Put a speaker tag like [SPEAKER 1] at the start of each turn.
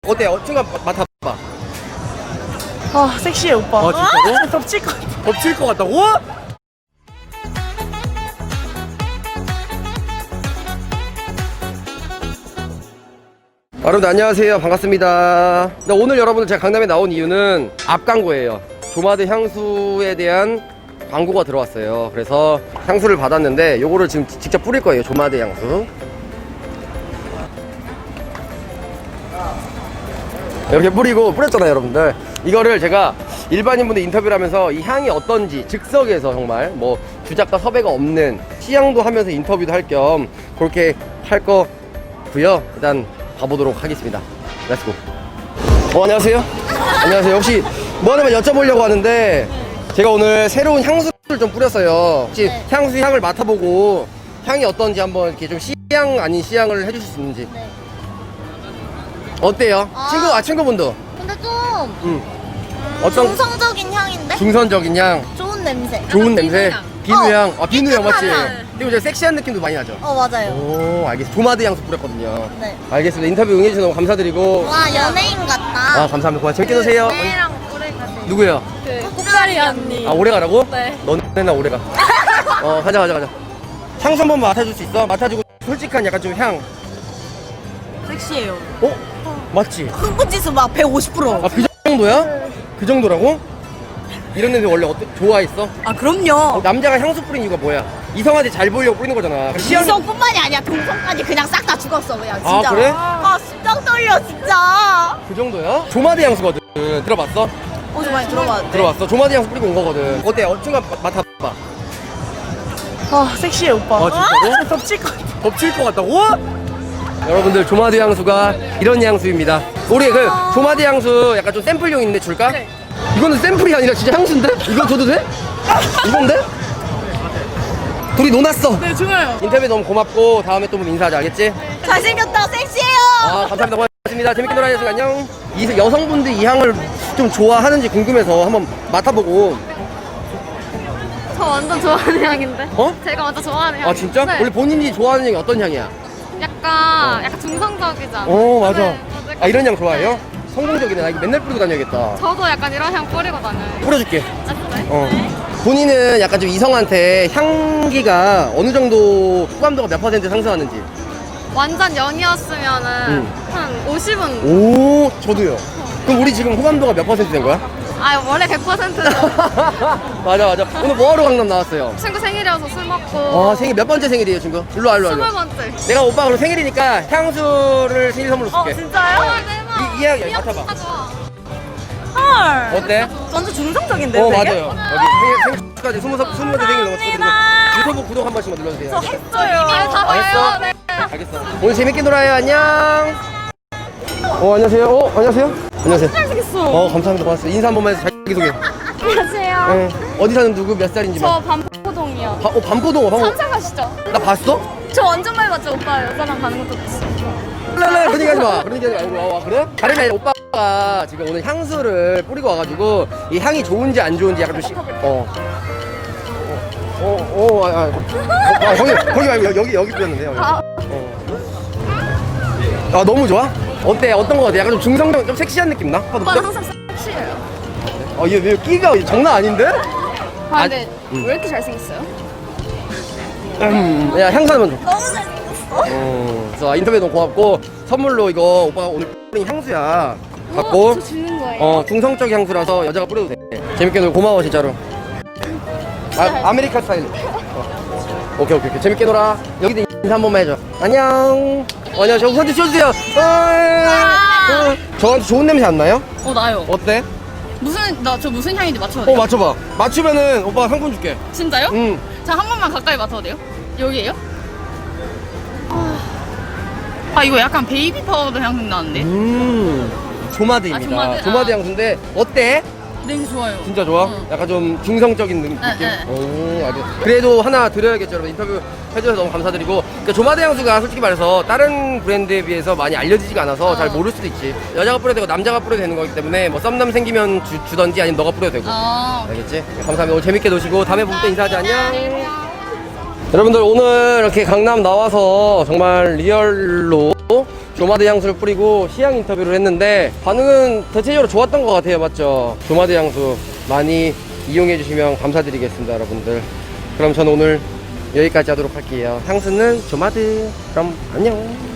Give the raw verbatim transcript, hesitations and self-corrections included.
[SPEAKER 1] 어때? 어, 친구가 맡아봐.
[SPEAKER 2] 아 섹시해 오빠.
[SPEAKER 1] 아, 진짜로?
[SPEAKER 2] 아, 덮칠 것 같아.
[SPEAKER 1] 덮칠 것 같다고? 여러분들 안녕하세요. 반갑습니다. 근데 오늘 여러분들 제가 강남에 나온 이유는 앞 광고예요. 조마드 향수에 대한 광고가 들어왔어요. 그래서 향수를 받았는데 요거를 지금 직접 뿌릴 거예요. 조마드 향수 이렇게 뿌리고 뿌렸잖아요 여러분들. 이거를 제가 일반인분들 인터뷰를 하면서 이 향이 어떤지 즉석에서 정말 뭐 주작과 섭외가 없는 시향도 하면서 인터뷰도 할 겸 그렇게 할 거고요. 일단 가보도록 하겠습니다. 렛츠고. 어, 안녕하세요. 안녕하세요. 혹시 뭐 하나만 여쭤보려고 하는데 제가 오늘 새로운 향수를 좀 뿌렸어요. 혹시
[SPEAKER 3] 네.
[SPEAKER 1] 향수 향을 맡아보고 향이 어떤지 한번 이렇게 좀 시향 아닌 시향을 해주실 수 있는지.
[SPEAKER 3] 네.
[SPEAKER 1] 어때요?
[SPEAKER 3] 아.
[SPEAKER 1] 친구, 아 친구분도.
[SPEAKER 3] 근데 좀
[SPEAKER 1] 음. 어떤
[SPEAKER 3] 중성적인 향인데?
[SPEAKER 1] 중선적인 향,
[SPEAKER 3] 좋은 냄새.
[SPEAKER 1] 좋은 냄새, 비누향.
[SPEAKER 3] 어,
[SPEAKER 1] 아 비누향 맞지?
[SPEAKER 3] 깨끗한
[SPEAKER 1] 그리고 이제 섹시한 느낌도 많이 나죠.
[SPEAKER 3] 어 맞아요.
[SPEAKER 1] 오, 알겠습니다. 조마드 향수 뿌렸거든요.
[SPEAKER 3] 네.
[SPEAKER 1] 알겠습니다. 인터뷰 응해주셔서 너무 감사드리고.
[SPEAKER 3] 와 연예인 같다.
[SPEAKER 1] 아 감사합니다. 고맙습니다. 재밌게 노세요.
[SPEAKER 3] 내랑 오래 가세요.
[SPEAKER 1] 누구요?
[SPEAKER 3] 그 꽃다리 언니.
[SPEAKER 1] 아 오래 가라고?
[SPEAKER 3] 네.
[SPEAKER 1] 너네나 오래 가. 어 가자 가자 가자. 향수 한번 맡아줄 수 있어? 맡아주고 솔직한 약간 좀 향.
[SPEAKER 2] 섹시해요.
[SPEAKER 1] 어? 맞지?
[SPEAKER 2] 흥분지수 막 백오십 퍼센트.
[SPEAKER 1] 아 그 정도야? 그 정도라고? 이런 냄새 원래 어때? 좋아했어?
[SPEAKER 2] 아 그럼요.
[SPEAKER 1] 남자가 향수 뿌린 이유가 뭐야? 이성한테 잘 보이려고 뿌리는 거잖아. 시향-
[SPEAKER 3] 이성뿐만이 아니야 동성까지 그냥 싹 다 죽었어 그냥
[SPEAKER 1] 아,
[SPEAKER 3] 진짜.
[SPEAKER 1] 그래?
[SPEAKER 3] 아 심장 떨려 진짜.
[SPEAKER 1] 그 정도야? 조마드 향수거든. 들어봤어?
[SPEAKER 2] 어제 많이 들어봤는데.
[SPEAKER 1] 들어봤어. 조마드 향수 뿌리고 온 거거든. 어때? 어, 친구가 맡아봐.
[SPEAKER 2] 아 섹시해 오빠.
[SPEAKER 1] 아, 진짜로?
[SPEAKER 2] 덮칠 것 같아.
[SPEAKER 1] 덮칠 것 같다고? 여러분들 조마드 향수가 이런 향수입니다. 우리 그 조마드 향수 약간 좀 샘플용 있는데 줄까?
[SPEAKER 2] 네.
[SPEAKER 1] 이거는 샘플이 아니라 진짜 향수인데? 이거 줘도 돼? 이건데? 둘이 논았어.
[SPEAKER 2] 네 좋아요.
[SPEAKER 1] 인터뷰 너무 고맙고 다음에 또 보면 인사하자. 알겠지?
[SPEAKER 3] 잘생겼다 섹시해요.
[SPEAKER 1] 아 감사합니다. 고맙습니다. 재밌게 놀아주셔서 안녕. 이 여성분들 이 향을 좀 좋아하는지 궁금해서 한번 맡아보고.
[SPEAKER 4] 저 완전 좋아하는 향인데.
[SPEAKER 1] 어?
[SPEAKER 4] 제가 완전 좋아하는 향.
[SPEAKER 1] 아 진짜?
[SPEAKER 4] 네.
[SPEAKER 1] 원래 본인이 좋아하는 향이 어떤 향이야?
[SPEAKER 4] 약간 약간 중성적이잖아.
[SPEAKER 1] 어 맞아.
[SPEAKER 4] 네, 맞아요.
[SPEAKER 1] 아 이런 향 좋아해요? 성공적이네. 나 이거 맨날 뿌리고 다녀야겠다.
[SPEAKER 4] 저도 약간 이런 향 뿌리고 다녀요.
[SPEAKER 1] 뿌려줄게.
[SPEAKER 4] 아, 진짜요?
[SPEAKER 1] 어. 본인은 약간 좀 이성한테 향기가 어느 정도 호감도가 몇 퍼센트 상승하는지.
[SPEAKER 4] 완전 연이었으면은
[SPEAKER 1] 음.
[SPEAKER 4] 한 오십은.
[SPEAKER 1] 오, 저도요. 그럼 우리 지금 호감도가 몇 퍼센트 된 거야?
[SPEAKER 4] 아 원래 백 퍼센트.
[SPEAKER 1] 맞아, 맞아. 오늘 뭐하러 강남 나왔어요?
[SPEAKER 4] 친구 생일이어서 술 먹고.
[SPEAKER 1] 아, 생일 몇 번째 생일이에요, 친구? 일로 와, 일로 와. 일로
[SPEAKER 4] 스물
[SPEAKER 1] 와.
[SPEAKER 4] 번째.
[SPEAKER 1] 내가 오빠 그럼 생일이니까 향수를 생일 선물로
[SPEAKER 2] 어
[SPEAKER 1] 줄게.
[SPEAKER 2] 진짜요?
[SPEAKER 4] 아 대박.
[SPEAKER 1] 이, 이 향,
[SPEAKER 4] 이 향
[SPEAKER 1] 맡아봐.
[SPEAKER 4] 진짜 좋아.
[SPEAKER 2] 헐.
[SPEAKER 1] 어때?
[SPEAKER 2] 완전 중성적인데.
[SPEAKER 1] 어,
[SPEAKER 2] 되게?
[SPEAKER 1] 맞아요. 여기 생일, 생일 축하드려. 스무, 살- 스무 번째 생일 너무 축하드리고. 유튜브 구독 한 번씩만 눌러주세요.
[SPEAKER 2] 저 했어요.
[SPEAKER 4] 아, 다 봐요.
[SPEAKER 1] 알겠어?
[SPEAKER 4] 네.
[SPEAKER 1] 알겠어. 오늘 재밌게 놀아요. 안녕. 어, 안녕하세요. 어, 안녕하세요. 안녕하세요.
[SPEAKER 2] 잘생겼어.
[SPEAKER 1] 어, 감사합니다. 고맙습니다. 인사 한 번만 해서 자기소개.
[SPEAKER 4] 안녕하세요.
[SPEAKER 1] 네. 어디 사는 누구 몇 살인지만.
[SPEAKER 4] 저 반포동이요.
[SPEAKER 1] 바, 어, 반포동. 어,
[SPEAKER 4] 삼사 가시죠?
[SPEAKER 1] 나 봤어?
[SPEAKER 4] 저 완전 많이 봤죠 오빠. 여자랑 가는 것도 봤어.
[SPEAKER 1] 랄랄 그런 얘기 하지 마. 그런 얘기 하지 말고. 와, 와, 그래? 다른 게 아니라 오빠가 지금 오늘 향수를 뿌리고 와가지고 이 향이 좋은지 안 좋은지 약간 좀 시, 어. 어, 어, 어, 아, 아, 아, 거기, 거기 말고 여기, 여기, 여기 뿌렸는데, 여기.
[SPEAKER 4] 아.
[SPEAKER 1] 어. 아, 너무 좋아? 어때? 어떤 거 같아? 약간 좀 중성적, 좀 섹시한 느낌 나?
[SPEAKER 4] 오빠는
[SPEAKER 1] 봐도
[SPEAKER 4] 항상 섹시해요.
[SPEAKER 1] 아, 얘, 얘 끼가 장난 아닌데?
[SPEAKER 4] 아 근데
[SPEAKER 1] 음.
[SPEAKER 4] 왜 이렇게 잘생겼어요?
[SPEAKER 1] 음, 야, 향수 하나만 줘.
[SPEAKER 3] 너무 잘생겼어.
[SPEAKER 1] 어, 그래서 인터뷰 너무 고맙고 선물로 이거 오빠가 오늘 뿌린 향수야 갖고
[SPEAKER 4] 저 주는 거예요?
[SPEAKER 1] 어 중성적 향수라서 여자가 뿌려도 돼. 재밌게 놀고 고마워 진짜로. 아, 아메리카 스타일. 어. 오케이 오케이 오케이 재밌게 놀아. 여기도 인사 한 번만 해줘. 안녕. 어, 안녕. 저 우선 치워주세요. 어, 저한테 좋은 냄새 안 나요?
[SPEAKER 2] 어 나요.
[SPEAKER 1] 어때?
[SPEAKER 2] 무슨 나 저 무슨 향인지 맞춰도
[SPEAKER 1] 어
[SPEAKER 2] 돼요?
[SPEAKER 1] 맞춰봐. 맞추면은 오빠가 상품 줄게.
[SPEAKER 2] 진짜요?
[SPEAKER 1] 응.
[SPEAKER 2] 자 한 번만 가까이 맡아도 돼요? 여기에요? 아 이거 약간 베이비 파우더 향 나는데.
[SPEAKER 1] 음. 조마드입니다.
[SPEAKER 2] 아, 조마드.
[SPEAKER 1] 조마드
[SPEAKER 2] 아.
[SPEAKER 1] 향수인데 어때?
[SPEAKER 2] 냄새 좋아요.
[SPEAKER 1] 진짜 좋아?
[SPEAKER 2] 응.
[SPEAKER 1] 약간 좀 중성적인 느낌?
[SPEAKER 2] 네, 네.
[SPEAKER 1] 오, 아주. 그래도 하나 드려야겠죠, 여러분. 인터뷰 해주셔서 너무 감사드리고. 그러니까 조마드 향수가 솔직히 말해서 다른 브랜드에 비해서 많이 알려지지가 않아서
[SPEAKER 2] 어.
[SPEAKER 1] 잘 모를 수도 있지. 여자가 뿌려도 되고 남자가 뿌려도 되는 거기 때문에 뭐 썸남 생기면 주, 주던지 아니면 너가 뿌려도 되고.
[SPEAKER 2] 아.
[SPEAKER 1] 알겠지? 네, 감사합니다. 오늘 재밌게 노시고 다음에 볼 때 인사하자. 안녕. 여러분들 오늘 이렇게 강남 나와서 정말 리얼로 조마드 향수를 뿌리고 시향 인터뷰를 했는데 반응은 대체적으로 좋았던 것 같아요. 맞죠? 조마드 향수 많이 이용해 주시면 감사드리겠습니다, 여러분들. 그럼 저는 오늘 여기까지 하도록 할게요. 향수는 조마드. 그럼 안녕.